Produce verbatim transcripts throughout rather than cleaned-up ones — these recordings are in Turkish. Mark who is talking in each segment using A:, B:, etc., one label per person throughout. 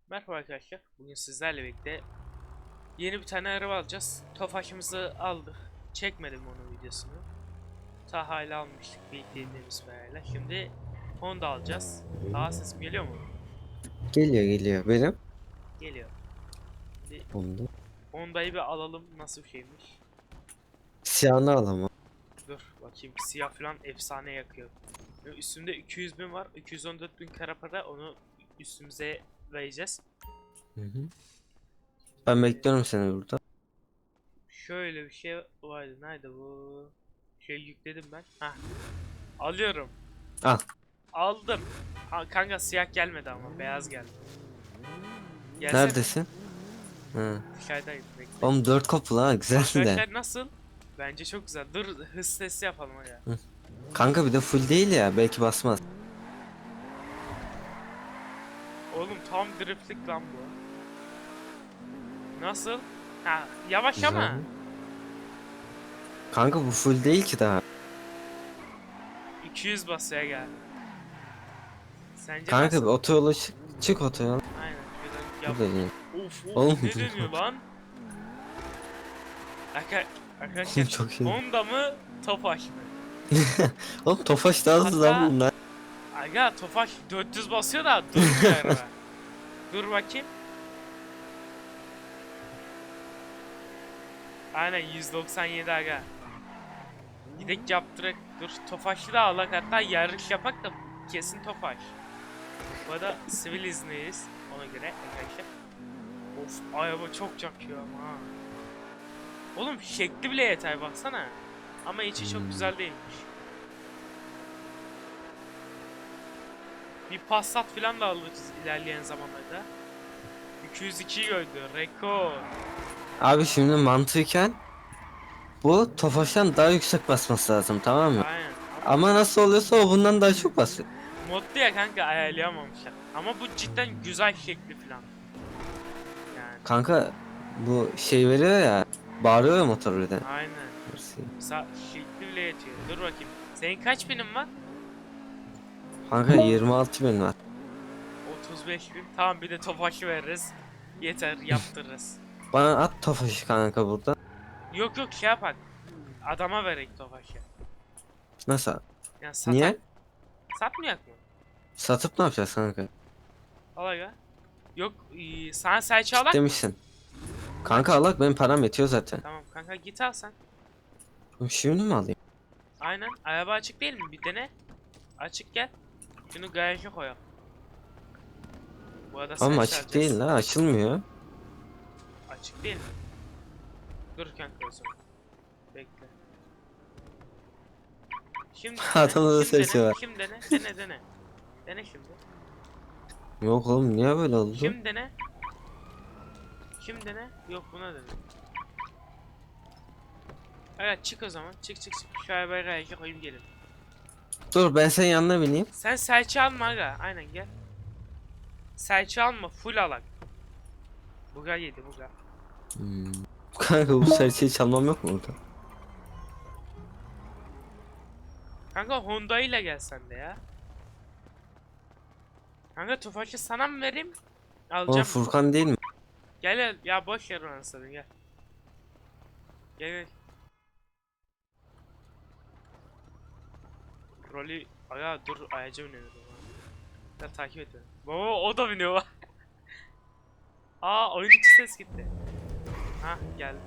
A: Merhaba arkadaşlar. Bugün sizlerle birlikte yeni bir tane araba alacağız. Tofaş'ımızı aldık. Çekmedim onun videosunu. Taha ile almıştık birlikteliğimiz parayla. Şimdi Honda alacağız. Taha sesim geliyor mu?
B: Geliyor geliyor benim.
A: Geliyor. Şimdi
B: Onda.
A: Honda'yı bir alalım. Nasıl bir şeymiş?
B: Siyahını al ama.
A: Dur bakayım. Siyah falan efsane yakıyor. Üstümde iki yüz bin var. iki yüz on dört bin kara para. Onu üstümüze vereceğiz.
B: Hı hı. Ben bekliyorum seni burada.
A: Şöyle bir şey vardı. Nerede bu? Şey yükledim ben. Hah. Alıyorum.
B: Al.
A: Aldım. Ha, kanka siyah gelmedi ama beyaz geldi. Gelsene.
B: Neredesin? Hı.
A: Dışarıdayım bekle.
B: Oğlum dört kapılı ha güzel de.
A: Arkadaşlar nasıl? Bence çok güzel. Dur hız testi yapalım ya.
B: Hı. Kanka bir de full değil ya belki basmaz.
A: Oğlum tam driftlik lan bu. Nasıl? Ha yavaş
B: Güzel.
A: ama.
B: Kanka bu full değil ki daha.
A: iki yüz basaya geldi. Sence
B: Kanka bir
A: nasıl?
B: otoyola çık. Çık otoyola.
A: Aynen. Şuradan yap.
B: Burada değil.
A: Of of
B: Oğlum
A: ne dönüyor lan? Arka Arkadaşlar
B: çok şey.
A: Honda mı Tofaş mı?
B: Oğlum Tofaş daha hızlı lan
A: Hatta
B: bunlar.
A: aga Tofaş dört yüz basıyor da durmuyor araba. Dur bakayım. Aynen yüz doksan yedi aga. Gidek yaptırak. Dur Tofaş'ı da alak hatta yarış yapak da kesin Tofaş. Bu arada sivil izniyiz ona göre arkadaşlar. Of araba çok çakıyor ama ha. Oğlum şekli bile yeter baksana. Ama içi çok
B: Hmm.
A: güzel değilmiş. Bir Passat falan da alırız ilerleyen zamanlarda. iki yüz ikiyi gördü. Rekor.
B: Abi şimdi mantıken bu Tofaş'tan daha yüksek basması lazım, tamam mı?
A: Aynen.
B: Ama nasıl oluyorsa o bundan daha çok basıyor.
A: Modlu ya kanka ayarlayamamışlar. Ama bu cidden güzel şekli falan. Yani
B: Kanka bu şey veriyor ya, bağırıyor ya motor birden.
A: aynen.
B: Mersi.
A: Sa şekli bile yetiyor. Dur bakayım. Senin kaç binin var?
B: Kanka yirmi altı bin var.
A: otuz beş bin. Tamam bir de Tofaş'ı veririz. Yeter yaptırırız.
B: Bana at Tofaş'ı kanka burada.
A: Yok yok şey yapak. Adama verek Tofaş'ı.
B: Nasıl?
A: Yani satak.
B: Niye?
A: Satmayak mı?
B: Satıp ne yapacağız kanka?
A: Al aga. Yok ee, sana serçe alak mı?
B: Demişsin. Kanka alak, benim param yetiyor zaten.
A: Tamam kanka git al sen.
B: Oğlum şimdi mi alayım?
A: Aynen. Araba açık değil mi? Bir dene. Açık gel. Şunu garaja koyalım. Bu arada
B: Ama
A: serçe
B: açık
A: alacağız.
B: değil la, açılmıyor.
A: Açık değil mi? Dur kanka o zaman. Bekle. Şimdi dene.
B: Adamda da
A: Şimdi
B: sesi
A: dene.
B: var.
A: Şimdi dene. Dene dene. Dene şimdi.
B: Yok oğlum, niye böyle oldu?
A: Şimdi dene. Şimdi dene. Yok buna dene. Evet çık o zaman. Çık çık çık. Şu arabayı garaja koyayım gelin.
B: Dur ben senin yanına bineyim.
A: Sen serçe alma aga. Aynen gel. Serçe alma. Full alak. Buga yedi buga.
B: Hmm. Kanka bu serçeyi çalmam yok mu burada?
A: Kanka Honda ile gel sen de ya. Kanka Tofaş'ı sana mı vereyim?
B: Oğlum
A: Alacağım.
B: Furkan değil mi?
A: Gel gel. Ya boş ver onu sana gel. Gel gel. Rolü aga dur ayaca biniyor. Ya takip et beni. Baba o da biniyor. Aa oyun içi ses gitti. Ha geldi.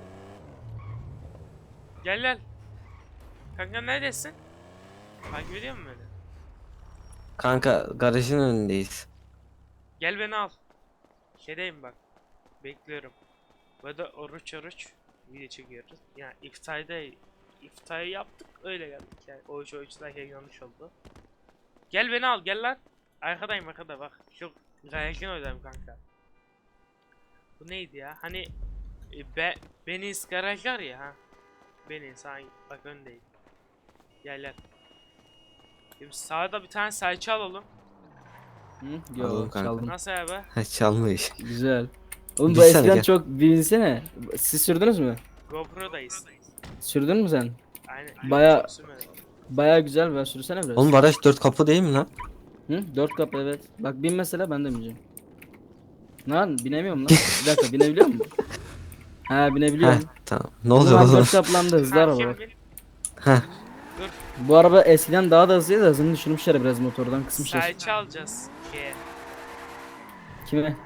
A: Gel gel. Kanka neredesin? Takip ediyor musun beni?
B: Kanka garajın önündeyiz.
A: Gel beni al. Şeydeyim bak. Bekliyorum. Burada oruç oruç video çekiyoruz. Yani iftarda iftarı yaptık öyle geldik yani. Oruç oruç derken yanlış oldu. Gel beni al gel lan. Arkadayım arkada bak. Şu garajın oradayım kanka. Bu neydi ya? Hani e, be, Beniz garaj var ya ha. Beniz ha bak öndeyim. Gel gel. Şimdi sağda bir tane serçe alalım.
C: Hı?
B: Alalım
C: Yo
B: kanka.
C: çaldım.
A: Nasıl abi?
B: Ha, çalmış.
C: Güzel. Oğlum bu
B: Binsene,
C: eskiden
B: gel.
C: çok binsene. Siz sürdünüz mü?
A: GoPro'dayız.
C: Sürdün mü sen?
A: Aynen.
C: Baya-
A: Çok sürmedim.
C: Baya güzel, ben sürsene biraz.
B: Oğlum garaj dört kapı değil mi lan?
C: Hı? Dört kapı evet. Bak bin mesela, ben de bineceğim. Lan binemiyorum lan. Bir dakika binebiliyor musun? Ha
B: Heh,
C: binebiliyorum.
B: tamam. Ne
C: Oğlum
B: oluyor oğlum?
C: arkadaş kaplandı hızlı
A: Ha,
C: araba.
A: kim
C: bak.
A: bil-
B: Heh.
A: Dur.
C: Bu araba eskiden daha da hızlıydı da hızını düşürmüşler biraz motordan kısmışlar.
A: Sayıcı alacağız. Şeye.
C: Kime?
A: Ee,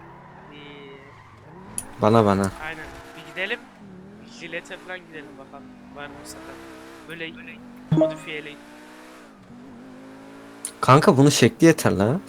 B: Bana bana.
A: aynen. Bir gidelim. Jilete falan gidelim bakalım. Var mı sefer? Böyle modifiyeli.
B: Kanka bunun şekli yeter la.
A: Aynen.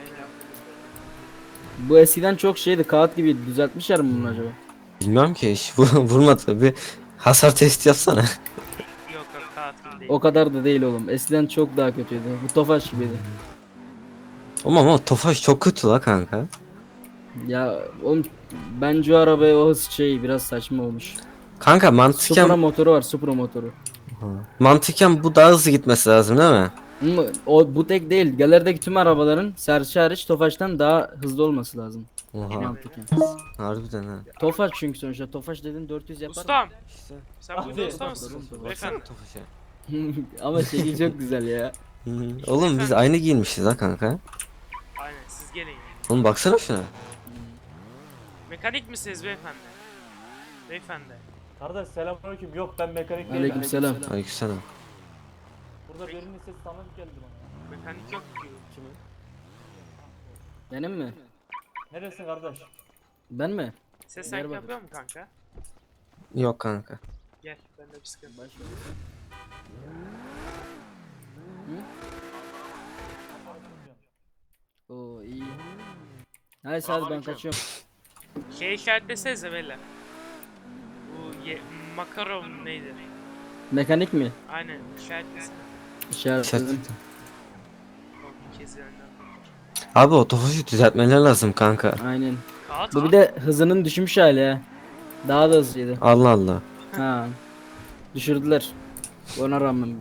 C: Bu eskiden çok şeydi kağıt gibi düzeltmişler mi bunu acaba?
B: Bilmiyorum ki hiç vu- vurmadı. Bir hasar testi yapsana.
A: Yok yok tatil değil.
C: O kadar da değil oğlum. Eskiden çok daha kötüydü. Bu Tofaş gibiydi.
B: Ama ama Tofaş çok kötü la kanka.
C: Ya oğlum bence o arabaya o hız şey biraz saçma olmuş.
B: Kanka
C: Supra
B: mantıken
C: motoru var, Supra motoru.
B: mantıken bu daha hızlı gitmesi lazım değil mi?
C: Ama o bu tek değil. Galerideki tüm arabaların serçe hariç Tofaş'tan daha hızlı olması lazım.
B: Oha.
C: Mantıken.
B: Harbiden ha.
C: Tofaş çünkü sonuçta. Tofaş dedin dört yüz yapar.
A: Ustam.
B: İşte.
A: Sen bu
C: Abi,
A: usta mısın?
C: baksana
A: Beyefendi.
B: Tofaş'a.
C: Ama şekil çok güzel ya.
B: Hı hı. Oğlum biz aynı giyinmişiz ha kanka.
A: Aynen siz gelin. yani.
B: Oğlum baksana şuna.
A: Mekanik misiniz beyefendi? Beyefendi.
D: Kardeş selamünaleyküm. Yok ben mekanik değilim.
C: Aleykümselam.
B: Aleykümselam.
D: Burada birinin sesi tanıdık geldi bana.
A: Mekanik yok ki.
C: Benim mi?
D: Neresin kardeş?
C: Ben mi?
A: Ses sanki
C: Merhaba.
A: yapıyor mu kanka?
B: Yok kanka.
A: Gel bende bir sıkıntı.
C: Baş Oo iyi. Neyse hadi ben kaçıyorum.
A: Şey işaretlesenize beyler. Bu ye makaron neydi?
C: Mekanik mi?
A: Aynen işaretlesene.
C: İşaretledim.
B: Şartlı.
A: O bir kez yanından.
B: Abi o Tofaş'ı düzeltmeler lazım kanka.
C: Aynen.
A: Kağıt
C: Bu
A: al.
C: bir de hızının düşmüş hali ha. Daha da hızlıydı.
B: Allah Allah.
C: Ha. Düşürdüler. Ona rağmen.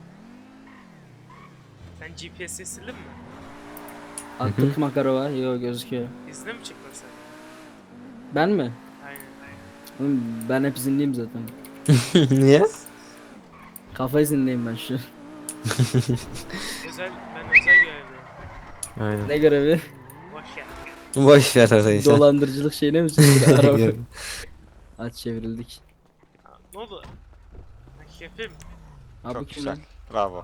A: Sen G P S'i sildin mi?
C: Attık makarova. Yo gözüküyor.
A: İzne mi çıktın sen?
C: Ben mi?
A: Aynen.
C: Oğlum ben hep izinliyim zaten.
B: Niye?
C: Kafa izinliyim ben şu.
A: Özel, ben özel görevliyim.
B: Aynen.
C: Ne görevi?
A: Boş ya.
B: Boş ver arayı sen.
C: Dolandırıcılık şeyine mi çıktı araba? Aç çevrildik.
A: Ha, ne oldu? Ha, Şefim,
C: Abi
E: Çok
C: kim
E: güzel.
C: lan?
E: Bravo.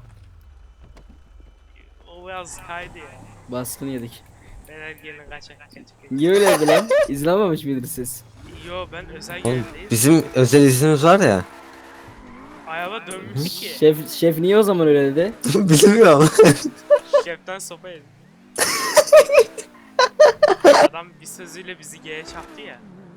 A: o biraz kaydı ya.
C: Baskını yedik.
A: Beyler gelin kaçak kaçak.
C: Niye öyle yaptı lan? İzlememiş miydiniz siz?
A: Yo ben özel
B: Oğlum
A: görevliyim.
B: bizim özel iznimiz var ya.
A: Ayava dönmüş ki.
C: Şef şef niye o zaman öyle dedi?
B: Bilmiyorum.
A: Şeften sopa yedim. Adam bir sözüyle bizi G'ye çaktı ya.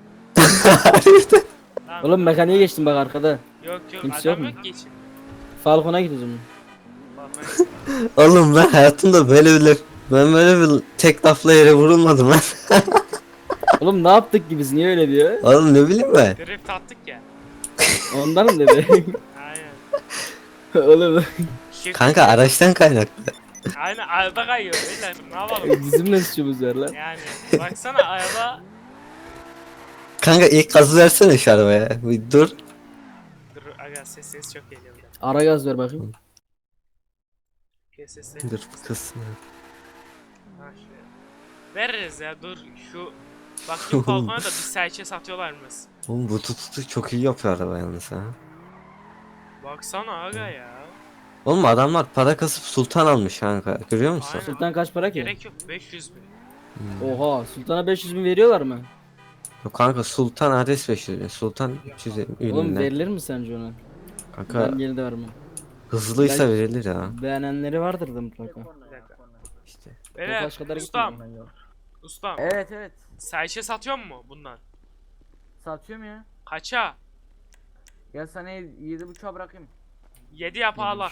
A: Tamam,
C: Oğlum mekaniğe geçtim bak arkada.
A: Yok yok
C: kimse
A: adam
C: yok
A: yok
C: mu?
A: ki içinde.
C: Falcon'a gidiyoruz.
A: Bak ben-
B: Oğlum ben hayatımda böyle bir ben böyle bir tek lafla yere vurulmadım lan.
C: Oğlum ne yaptık ki biz niye öyle diyor?
B: Oğlum ne bileyim ben.
A: Drift attık ya.
C: Ondan mı dedi?
A: Aynen.
C: Oğlum
A: Şef
B: Kanka araçtan kaynaklı.
A: Aynen araba kayıyor beyler ne yapalım?
C: bizim ne suçumuz var lan?
A: Yani baksana araba.
B: Kanka ilk gazı versene şu arabaya. Bir dur.
A: Dur aga ses ses çok geliyor burada.
C: Ara gaz ver bakayım.
A: Kes sesleri.
B: Dur kızsın.
A: Ha şöyle. Veririz ya dur şu. Bak şu Falcon'a da bir serçe satıyorlarmış.
B: Oğlum bu tutu çok iyi yapıyor araba yalnız ha.
A: Baksana aga ya.
B: Oğlum adamlar para kasıp sultan almış kanka. Görüyor musun?
A: Aynen.
C: Sultan kaç para ki?
A: Gerek yok beş yüz bin.
C: Oha Sultan'a beş yüz bin veriyorlar mı?
B: Yok kanka sultan adres beş yüz bin. Sultan üç yüz elli
C: Oğlum
B: ürünler.
C: verilir mi sence ona?
B: Kanka
C: Ben yine de vermem.
B: hızlıysa
C: Ben-
B: verilir ya.
C: Beğenenleri vardır da mutlaka.
A: Bir dakika.
B: İşte.
A: Beyler
C: Tofaş kadar
A: ustam.
C: gitmiyorum.
A: Ustam.
C: Evet evet.
A: Serçe satıyor mu bundan?
C: Satıyorum ya.
A: Kaça?
C: Gel sana yedi buçuğa bırakayım.
A: yedi yapalak.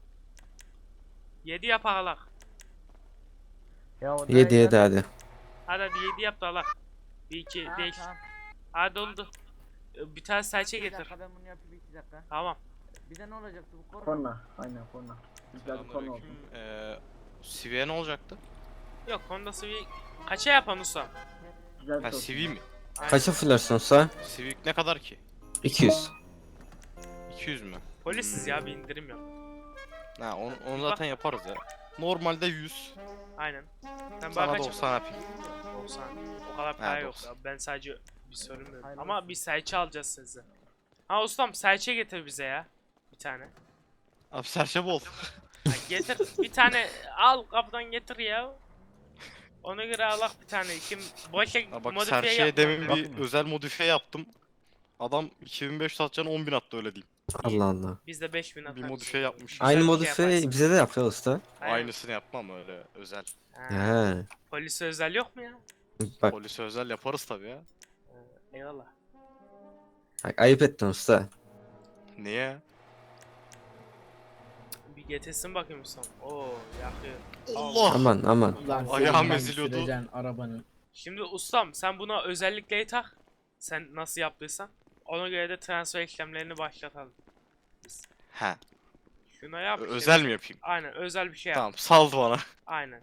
A: yedi yapalak.
C: Ya o
B: Yedi yedi hadi.
A: Hadi hadi yedi yap da alak. bir iki değiş. Hadi oldu. Ee, Bir tane serçe getir.
C: ben bunu yapayım iki dakika.
A: Tamam.
C: Bir de ne olacaktı bu korna?
F: Korna, aynen korna. Güzel bir korna oldu.
E: Selamünaleyküm. Ee, C V'ye ne olacaktı?
A: Yok Honda Civic kaça yapan ustam?
F: Güzel bir
E: Ha
F: korna.
E: C V mi?
A: Aynen.
B: Kaça fırlarsınsa?
E: Civic ne kadar ki?
B: iki yüz.
E: iki yüz mü?
A: Polisiz ya bir indirim yok.
E: Ha onu, onu zaten yaparız ya. Normalde yüz.
A: Aynen. Sen bana
E: Sana
A: kaç
E: doksan yapayım.
A: doksan. O kadar para yok
E: doksan.
A: ya. Ben sadece bir sorun yok.
F: Hayırlı
A: Ama
F: olsun.
A: bir serçe alacağız size. Ha ustam serçe getir bize ya. Bir tane.
E: Abi serçe bol.
A: Ha, getir bir tane al kapıdan getir ya. Ona göre alak bir tane. Kim boşa
E: Ha bak
A: modifiye
E: serçeye
A: yapma.
E: demin bir özel modifiye yaptım. Adam iki bin beş yüz atacağını on bin attı öyle diyeyim.
B: Allah Allah.
A: Biz de beş bin atarız.
E: Bir modifiye yapmış.
A: Güzel
B: Aynı
A: bir şey
B: modifiye
A: yaparsın.
B: bize de yapıyor usta.
A: Aynen.
E: Aynısını yapmam öyle özel.
A: Ha,
B: He.
A: polise özel yok mu ya?
B: Bak,
E: Polise özel yaparız tabii ya.
A: Ha, eyvallah.
B: bak ayıp ettin usta.
E: Niye?
A: Bir getirsin bakayım ustam. Oo yakıyor.
E: Allah!
B: Aman aman.
C: Ulan
E: Ayağım
C: sen
E: eziliyordu.
C: süreceksin arabanın.
A: Şimdi ustam sen buna özellikleri tak. Sen nasıl yaptıysan. Ona göre de transfer işlemlerini başlatalım.
E: He.
A: Şuna yap.
E: Ö-
A: işte.
E: Özel mi yapayım?
A: Aynen özel bir şey yap.
E: Tamam saldı bana.
A: Aynen.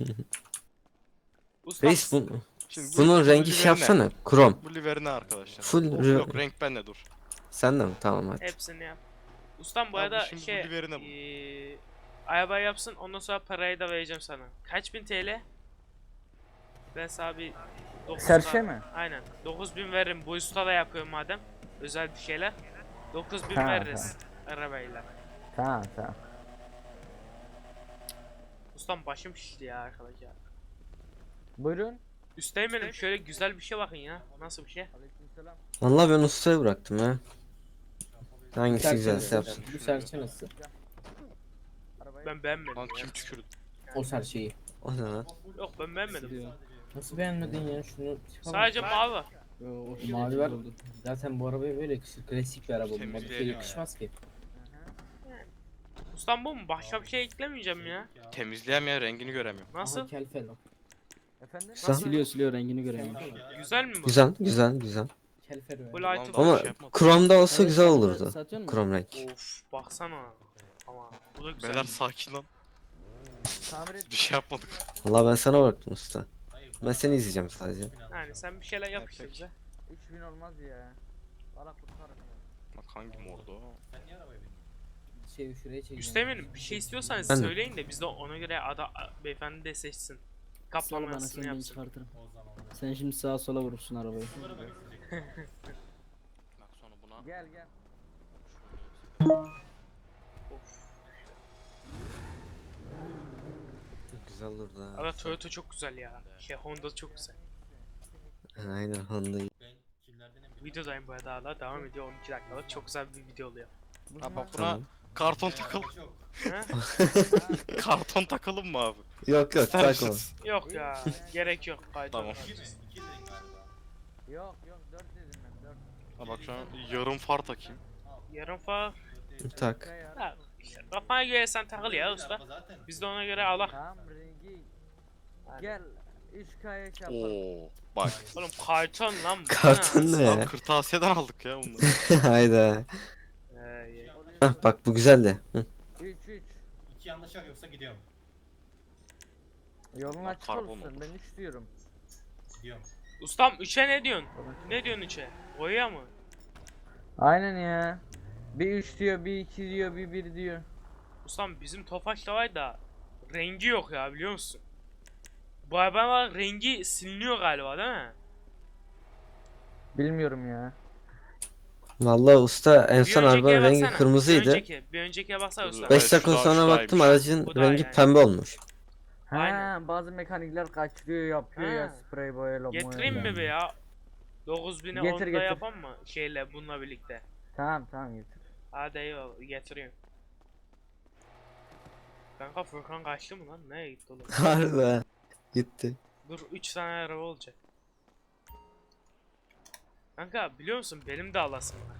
A: Ustam
B: Reis bu,
E: Şimdi bu-
B: bunun
E: bu
B: rengi
E: liveri
B: şey
E: ne?
B: yapsana. Krom.
E: Bu liveri ne arkadaşlar?
B: Full
E: Yok,
B: re-
E: yok renk bende dur.
B: Sen de mi? Tamam hadi.
A: hepsini yap. Ustam bu
E: Abi
A: arada
E: şimdi bu
A: şey
E: liveri ne bu?
A: eee arabayı yapsın ondan sonra parayı da vereceğim sana. Kaç bin T L? Ben sana bir dokuz
F: Serçe
A: bin-
F: mi?
A: Aynen. dokuz bin veririm. Bu usta da yapıyor madem. Özel bir şeyler. dokuz bin
F: Ha,
A: veririz arabayla.
F: Tamam tamam.
A: Ustam başım şişti ya arkadaş ya.
F: Buyurun.
A: Üsteğmenim şöyle güzel bir şey bakın ya. Nasıl bir şey?
F: Aleykümselam.
B: Vallahi ben ustaya bıraktım ya. Hangisi
C: Serçe
B: güzelse
C: nasıl?
B: yapsın.
C: Bu serçe nasıl?
F: Arabayı
A: Ben beğenmedim
E: Lan
A: ya.
E: kim tükürdü?
C: O serçeyi.
B: O ne lan?
A: Yok ben beğenmedim.
C: Nasıl beğenmedin ya şunu?
A: Sadece mavi.
C: Mavi var. Zaten bu arabaya böyle yakışır. Klasik bir araba bu.
E: Temizleyelim
C: Modifiye
E: ya.
C: yakışmaz ki.
A: Ustam bu mu? Başka bir şey eklemeyeceğim ya.
E: Temizleyem ya rengini göremiyorum.
A: Nasıl?
C: Aha, kel fel o.
F: Efendim?
B: Sen-
C: Siliyor siliyor rengini göremiyor.
A: Güzel mi bu?
B: Güzel güzel güzel.
C: Kel fel o.
A: Bu
C: ya.
A: light'ı
E: Ama-
B: Ama
E: şey yapmadım.
B: kromda olsa
C: Evet,
B: güzel
C: sen de
B: olurdu.
C: satıyor musun?
B: Krom renk.
A: Of baksana. Ama bu da güzel.
E: Beyler sakin lan.
F: Tamir et.
E: Bir şey yapmadık.
B: Vallahi ben sana bıraktım usta. Ben seni izleyeceğim sadece.
A: Yani sen bir şeyler yap işte
E: peki.
A: bize.
F: üç bin olmaz ya. Valla kurtarın ya.
E: Bak hangi mordu o?
C: Şey şuraya çekeceğim.
A: Üsteğmenim bir şey istiyorsanız
B: Ben de.
A: söyleyin de biz de ona göre ada beyefendi de seçsin.
C: Sal
A: Kaplama
C: bana
A: yazısını
C: sen beni
A: yapsın.
C: çıkartırım. Sen şimdi sağa sola vurursun arabayı.
E: Bak sonra buna.
F: Gel gel.
A: Of.
B: Güzel olurdu ha.
A: Ama Toyota çok güzel ya. Şey Honda çok güzel.
B: Aynen Honda'yı.
A: Videodayım bu arada hala devam ediyor on iki dakikalık çok güzel bir video oluyor.
E: Ha bak buna
B: Tamam.
E: karton takalım.
A: Ha?
E: Karton takalım mı abi?
B: Yok yok
E: İster
B: takma.
E: misiniz?
A: Yok ya gerek yok. Faydalı.
E: Tamam.
F: Yok yok dört dedim ben dört.
E: Ha bak şu an yarım far takayım.
A: Yarın falan.
B: Tak.
F: Ya.
A: Ha, işte kafana göre sen takıl ya usta. Biz de ona göre alak.
F: Tamam rengi. Gel. üç K'ya şey yapalım.
E: Oo bak.
A: Oğlum karton lan bu.
B: Karton ne
E: Lan
B: ya?
E: kırtasiyeden aldık ya bunları.
B: Hayda.
A: Ee, iyi.
B: Hah bak bu güzeldi. Hı.
F: üç üç.
G: İki yanlış yok yoksa gidiyorum.
F: Yolun
E: Bak,
F: açık
E: karbon
F: olsun.
E: olur.
F: Ben üç diyorum.
G: Gidiyorum.
A: Ustam üçe ne diyorsun? Ne diyorsun üçe? Boya mı?
F: Aynen ya. Bir üç diyor, bir iki diyor, bir bir diyor.
A: Ustam bizim Tofaş'ta var da rengi yok ya biliyor musun? Bu arabanın rengi siliniyor galiba değil mi?
F: Bilmiyorum ya.
B: Vallahi usta en
A: Bir
B: son
A: öncekiye
B: arabanın rengi
A: baksana, Bir
B: kırmızıydı.
A: önceki, bir öncekiye baksana
E: Dur,
A: usta.
E: dur.
B: beş
E: Evet,
B: dakika
E: şu da-
B: sonra
E: şu
B: baktım
E: daymış.
B: aracın
A: Bu da
B: rengi
A: yani.
B: pembe olmuş.
F: Ha,
A: Aynen.
F: bazı mekanikler kaçırıyor, yapıyor ya
A: Ha.
F: sprey boyayla.
A: Getireyim mi
F: boyayla.
A: be ya? dokuz bine
F: Getir,
A: onda
F: getir.
A: yapalım mı? Şeyle bununla birlikte.
F: Tamam tamam getir.
A: Hadi eyvallah getiriyorum. Kanka Furkan kaçtı mı lan? Nereye gitti oğlum?
B: Harbi. Gitti.
A: Dur üç tane araba olacak. Kanka biliyor musun benim de alasım var.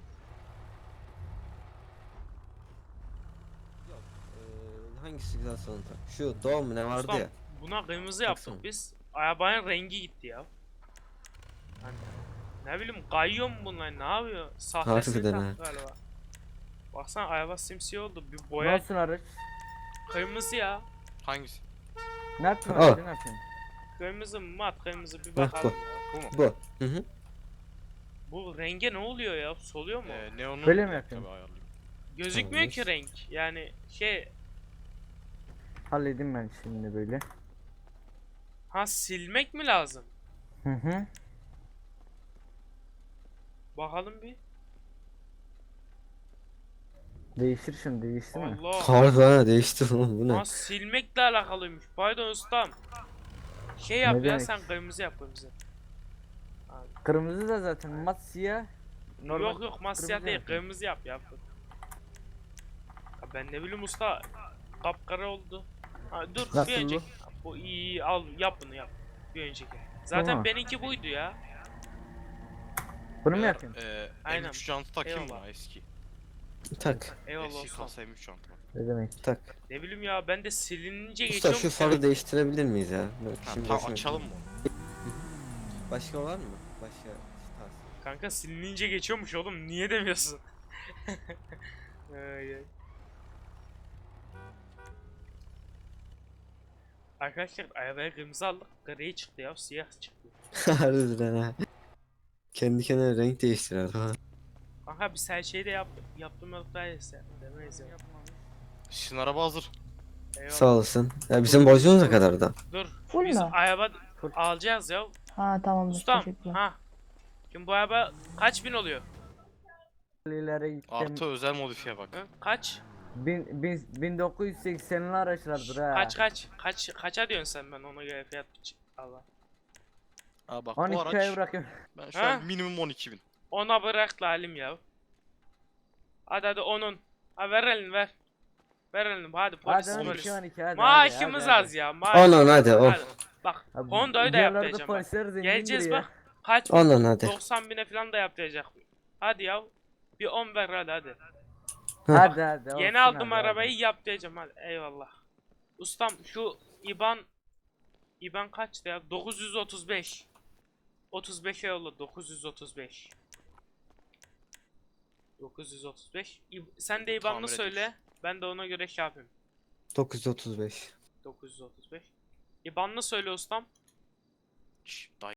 B: Ee, hangisi güzel sonra tak? Şu doğum mu ne vardı
A: Ustam,
B: ya?
A: buna kırmızı yaptık
B: Baksana.
A: biz. Arabanın rengi gitti ya. Hani, ne bileyim kayıyor mu bunlar ne yapıyor? Sahtesini
B: Harbiden
A: taktı galiba. Baksana araba simsiyah oldu. Bir boya
F: Nasılsın araç?
A: kırmızı ya.
E: Hangisi?
F: Ne yaptın
B: Aa.
F: araç? Ne yapıyorsun?
A: Kırmızı mı mat kırmızı bir
B: Bak,
A: bakalım
B: bu.
A: ya.
B: Bu. Hı hı.
A: Bu renge ne oluyor ya? Soluyor mu?
E: Ee, neonu
F: Böyle mi
E: tabii
F: yapıyorsun?
E: ayarlayayım.
A: Gözükmüyor ki
B: Tamam.
A: renk. Yani şey
F: Halledeyim ben şimdi böyle.
A: Ha, silmek mi lazım?
F: Hı hı.
A: Bakalım bir.
F: Değiştir şunu, değiştir mi?
A: Allah.
B: Harbi ha değişti oğlum bu ne?
A: Ha, silmekle alakalıymış. Pardon ustam. Şey yap
F: Ne
A: ya,
F: demek?
A: sen kırmızı yap kırmızı.
F: Kırmızı da zaten mat siyah. Normal
A: Yok yok masya
F: kırmızı
A: değil,
F: yapayım.
A: kırmızı yap yap. Ya ben ne bileyim usta, kapkara oldu. Ha, dur bir
F: Nasıl
A: önceki. Bu iyi, iyi al yap bunu yap. Bir önceki. Zaten
F: Tamam.
A: benimki buydu ya.
F: Bunu mu
E: Eğer,
F: yapayım?
E: Ee,
A: Aynen.
E: M üç jantı takayım
A: Eyvallah.
E: mı eski?
B: Tak
A: Eyvallah
E: Eski
A: ustam.
E: kasa M üç jantı var.
F: Ne demek?
B: tak.
A: Ne bileyim ya, ben de silinince
B: Usta
A: geçiyorum.
B: şu farı değiştirebilir miyiz ya? Bak,
E: Ha,
B: şimdi
E: tamam
B: boşuna-
E: açalım mı?
B: Başka var mı? Başka tarz.
A: Kanka silinince geçiyormuş oğlum, niye demiyorsun? Ay, ay. Arkadaşlar arabaya kırmızı aldık, gri çıktı ya, siyah çıktı.
B: Harbiden ha. Kendi kendine renk değiştirer ha.
A: Kanka biz her şeyi de yaptık, yaptım yok daha iyisi. Demeyiz ya.
E: Sizin araba hazır.
A: Eyvallah.
B: Sağ olasın. Ya bizim borcumuz ne kadar da?
A: Dur,
H: Full
A: biz
H: mü?
A: araba
F: Full.
A: alacağız ya.
H: Ha tamamdır.
A: Ustam,
H: Teşekkürler.
A: ha. Şimdi bu araba kaç bin oluyor?
F: İleri gittim.
E: Artı özel modifiye bak.
A: Hı? Kaç?
F: Bin, bin, bin dokuz yüz seksenli araçlardır ha.
A: Kaç kaç? Kaç kaça diyorsun sen, ben ona göre fiyat biç- Allah.
E: Aa bak bu
F: on iki aya
E: araç
F: bırakıyorum.
E: ben şu
A: Ha?
E: an minimum on iki bin.
A: Ona bırak lalim ya. Hadi hadi onun. Ha, ver elini ver. Ver elini hadi, polis
F: Hadi on
A: polis.
F: iki on iki hadi.
A: Maaşımız
F: hadi, hadi.
A: az ya. Maaş.
B: Onun hadi on.
A: Hadi. Bak
F: Abi,
A: Honda'yı da
F: diğerlerde
A: yaptıracağım bak.
F: polisler zengindir
A: Geleceğiz
F: ya.
A: bak. Kaç bin?
B: Onun hadi.
A: doksan bine falan da yaptıracak. Hadi ya. Bir on ver hadi hadi.
F: Hadi hadi. olsun
A: Yeni aldım
F: hadi,
A: arabayı, yaptıracağım hadi. Eyvallah. Ustam şu İban İban kaçtı ya? dokuz yüz otuz beş. otuz beşe yolla, dokuz yüz otuz beş. dokuz yüz otuz beş. İb- Sen de İban'ını
E: Tamir
A: söyle.
E: ediyoruz.
A: Ben de ona göre şey yapayım.
B: dokuz yüz otuz beş.
A: dokuz yüz otuz beş. İban'ını söyle ustam.
E: Şşş, dayı.